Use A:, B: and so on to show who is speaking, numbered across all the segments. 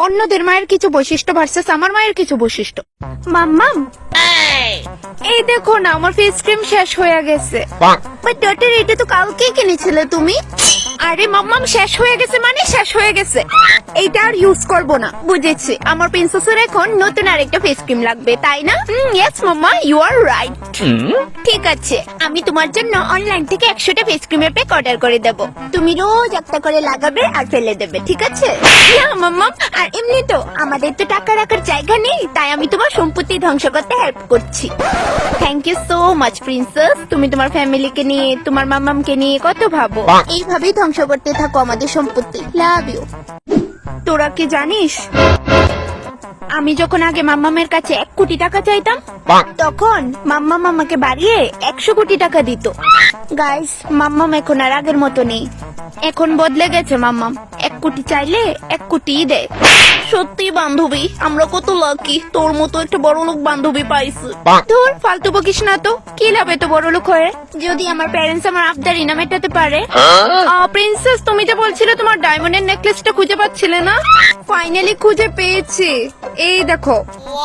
A: অন্যদের মায়ের কিছু বৈশিষ্ট্য ভার্সেস আমার মায়ের কিছু বৈশিষ্ট্য। মাম্মাম, এই দেখো না আমার ফেস ক্রিম শেষ হয়ে গেছে। বাট ডটার, এটা তো কালকে কিনেছিলে তুমি। আরে মাম্মাম, শেষ হয়ে গেছে মানে শেষ হয়ে গেছে, এইটা আর ইউজ করবো না। বুঝেছি, আমার প্রিন্সেসের এখন নতুন আরেকটা ফেস ক্রিম লাগবে, তাই না? Yes mamma, you are right. ঠিক আছে, আমি তোমার জন্য অনলাইন থেকে 100টা ফেস ক্রিমের প্যাক অর্ডার করে দেব। তুমি রোজ একটা করে লাগাবে আর ফেলে দেবে, ঠিক আছে? না মাম্মাম, আর এমনি তো আমাদের তো টাকা রাখার জায়গা নেই, তাই আমি তোমার সম্পত্তি ধ্বংস করতে হেল্প করছি। Thank you so much princess. তুমি তোমার ফ্যামিলিকে নিয়ে, তোমার মাম্মামকে নিয়ে কত ভাবো। এইভাবেই ধ্বংস করতে থাকো আমাদের সম্পত্তি। Love you. তোরা কি জানিস, আমি যখন আগে মাম্মামের কাছে 1 কোটি টাকা চাইতাম, তখন মাম্মাম আমাকে বাড়িয়ে 100 কোটি টাকা দিত। গাইস, মাম্মাম এখন আর আগের মতো নেই, এখন বদলে গেছে মাম্মাম। 1 কোটি চাইলে 1 কোটি দেয়। সত্যি বান্ধবী, আমরা কত লাকি, তোর মতো একটা বড় লোক বান্ধবী পাইছি। ধুর, ফালতু বকিস না তো, কি লাভ এত বড় লোক হয়ে, যদি আমার প্যারেন্টস আমার আবদার না মেটাতে পারে। প্রিন্সেস, তুমি যে বলছিলে তোমার ডায়মন্ডের নেকলেসটা খুঁজে পাচ্ছিলে না, ফাইনালি খুঁজে পেয়েছি। এই দেখো।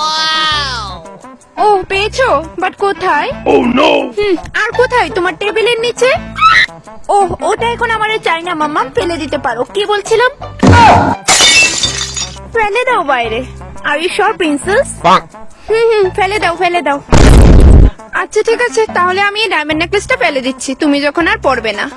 A: ও, পেয়েছো? বাট কোথায়? আর কোথায়? তোমার টেবিলের নিচে। ও, ওটা এখন আমার চাই না মাম্মাম, ফেলে দিতে পারো। কি বলছিলাম? ফেলে দাও বাইরে। Are you sure princess? ফেলে দাও, ফেলে দাও। আচ্ছা ঠিক আছে, তাহলে আমি এই ডায়মন্ড নেকলেসটা ফেলে দিচ্ছি, তুমি যখন আর পরবে না।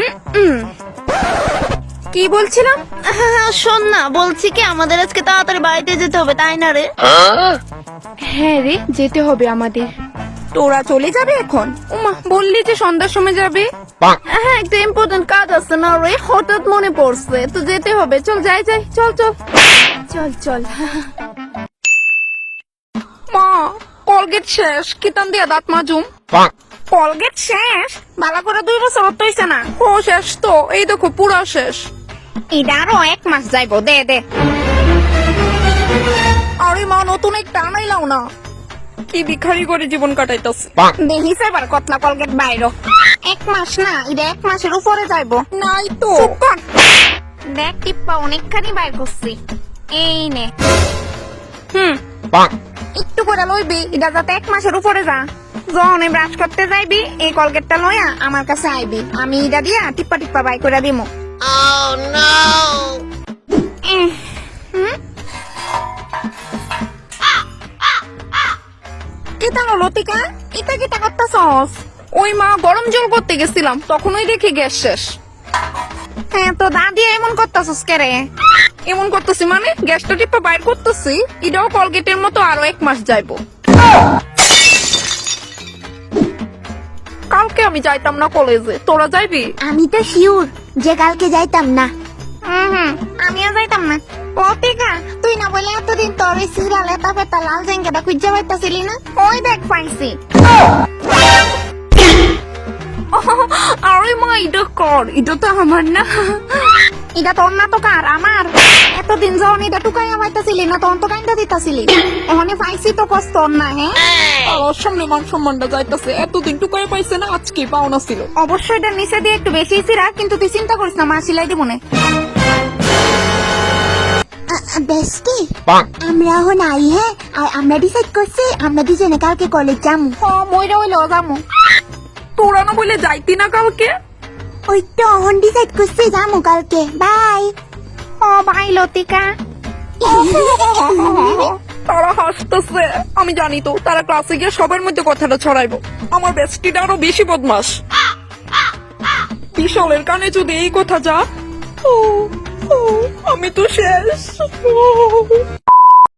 A: কি বলছিলাম? শোন না, বলছি কি আমাদের আজকে তাড়াতাড়ি বাড়িতে যেতে হবে, তাই না রে? হ্যাঁ রে, যেতে হবে আমাদের। তোরা চলে যাবে এখন? উমা, বললি যে সন্ধ্যার সময় যাবে। হ্যাঁ, একটা ইম্পর্টেন্ট কাজ আছে না রে, হঠাৎ মনে পড়ছে, তো যেতে হবে। চল যাই যাই, চল চল চল চল। মা, কলগেট শেষ, কিতান দিয়া দাঁত মাজুম। কলগেট শেষ? বালা করে 2 বছর হইছে না? ও শেষ তো, এই দেখো পুরো শেষ। এটা আরো 1 মাস যাইবো, দে দে। আরে মা, নতুন একটা আনাইলাও না। কি ভিখারি করে জীবন কাটাইতেছে। দেখিস এবার কতলা কলগেট বাইরো। 1 মাস না, এটা 1 মাসের উপরে যাইবো। নাই তো। দেখ টিপ্পা অনেকখানি বাইর করছি। এই নে। একটু করে লইবি, এটা যাতে 1 মাসের উপরে যা। যখন ব্রাশ করতে যাইবি, এই কলগেটটা লইয়া আমার কাছে আইবি, আমি এটা দিয়া টিপ্পা টিপ্পা বাই করে দিমু। লতিকা, এটা কি করতেছস? ওই মা, গরম জল করতে গেছিলাম, তখনই দেখি গ্যাস শেষ। হ্যাঁ, তো দাদি এমন করতেছস কে রে? এমন করতেছি মানে গ্যাসটা টিপা বাইর করতেছি, এটাও কলগেটের মতো আরো 1 মাস যাইবো। কালকে আমি যাইতাম না কলেজে, তোরা যাইবি?
B: আমি তো শিওর যে কালকে যাইতাম না।
A: আমিও যাইতাম না।
B: লতিকা, তুই না বলে এতদিন তোর ওই সিরিয়াল এটা পেতা লাল জেঙ্গাটা খুঁজে পাইতাছিলি না?
A: ওই দেখ পাইছি। আরে মা, এটা কর, এটা তো আমার না। এটা তোর না তো কার? আমার। এতদিন যখন এটা টুকাইয়া পাইতাছিলি না, তখন তো কাইন্দা দিতাছিলি। ওখানে পাইছি তো কষ্ট না। হ্যাঁ,
C: আর সামনে মান সম্মানটা যাইতাছে, এতদিন টুকাই পাইছে না, আজকে পাওনা ছিল।
A: অবশ্যই এটা নিচে দিয়ে একটু বেশি ছিড়া, কিন্তু তুই চিন্তা করিস না, মা সিলাই দিব না।
B: বেস্টি, আমরা এখন আই। হ্যাঁ, আর আমরা ডিসাইড করছি আমরা দুজনে কালকে কলেজ যাবো।
A: মইরা হইলো যাবো।
C: তোরা না বলে যাইতি না কালকে?
B: ওই তো এখন ডিসাইড করছি যাবো কালকে। বাই।
A: বাই লতিকা।
C: তারা হাসতেছে, আমি জানি তো তারা ক্লাসে গিয়ে সবার মধ্যে কথাটা ছড়াইবো। আমার বেস্টিটা আরো বেশি বদমাস। বিশালের কানে যদি এই কথা যা, আমি তো শেষ।